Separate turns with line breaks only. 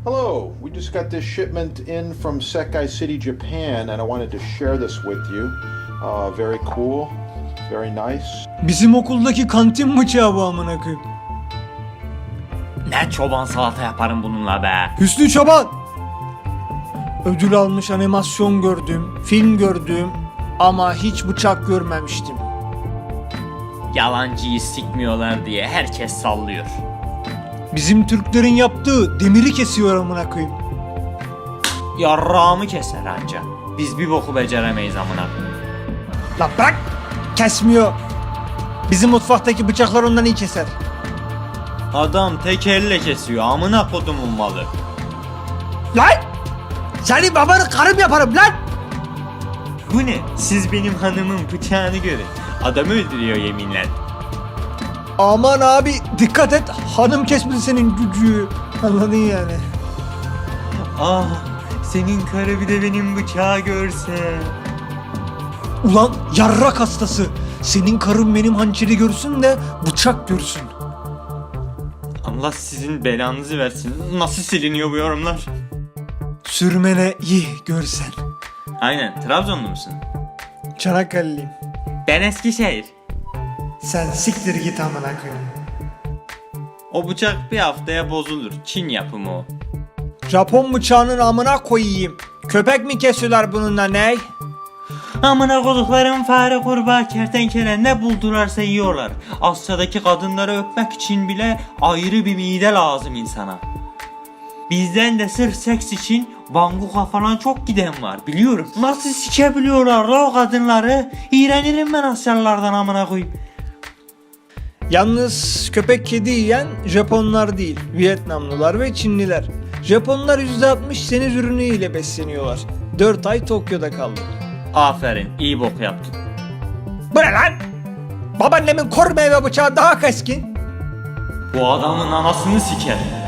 Hello, we just got this shipment in from Sekai City, Japan, and I wanted to share this with you. Very cool, very nice.
Bizim okuldaki kantin bıçağı bu amına koyayım.
Ne çoban salata yaparım bununla be.
Hüsnü Çoban. Ödül almış animasyon gördüm, film gördüm ama hiç bıçak görmemiştim.
Yalancıyı sikmiyorlar diye herkes sallıyor.
Bizim Türklerin yaptığı demiri kesiyor amına koyayım.
Yarrağımı keser anca. Biz bir boku beceremeyiz amına.
Lan bırak! Kesmiyor. Bizim mutfaktaki bıçaklar ondan iyi keser.
Adam tek elle kesiyor amına kodumun malı.
Lan! Seni babanı karım yaparım lan!
Bu ne? Siz benim hanımın bıçağını görün. Adamı öldürüyor yeminle.
Aman abi dikkat et, hanım kesmedi senin gücü. Anladın yani.
Ah, senin karı bir de benim bıçağı görse.
Ulan yarrak hastası. Senin karın benim hançeri görsün de bıçak görsün.
Allah sizin belanızı versin. Nasıl siliniyor bu yorumlar?
Sürmene iyi görsen.
Aynen, Trabzonlu musun?
Çanakkale'liyim.
Ben Eskişehir.
Sen siktir git amına koyayım.
O bıçak bir haftaya bozulur. Çin yapımı o.
Japon bıçağının amına koyayım. Köpek mi kesiyorlar bununla ney?
Amına koduklarım fare, kurbağa, kertenkele ne buldularsa yiyorlar. Asya'daki kadınları öpmek için bile ayrı bir mide lazım insana. Bizden de sırf seks için Bangkok'a falan çok giden var biliyorum. Nasıl sikebiliyorlar la o kadınları? İğrenirim ben Asyalılardan amına koyayım.
Yalnız köpek kedi yiyen Japonlar değil, Vietnamlılar ve Çinliler. Japonlar %60 deniz ürünü ile besleniyorlar. 4 ay Tokyo'da kaldım.
Aferin, iyi bok yaptın.
Bu ne lan? Babaannemin kor meyve bıçağı daha keskin.
Bu adamın anasını siker.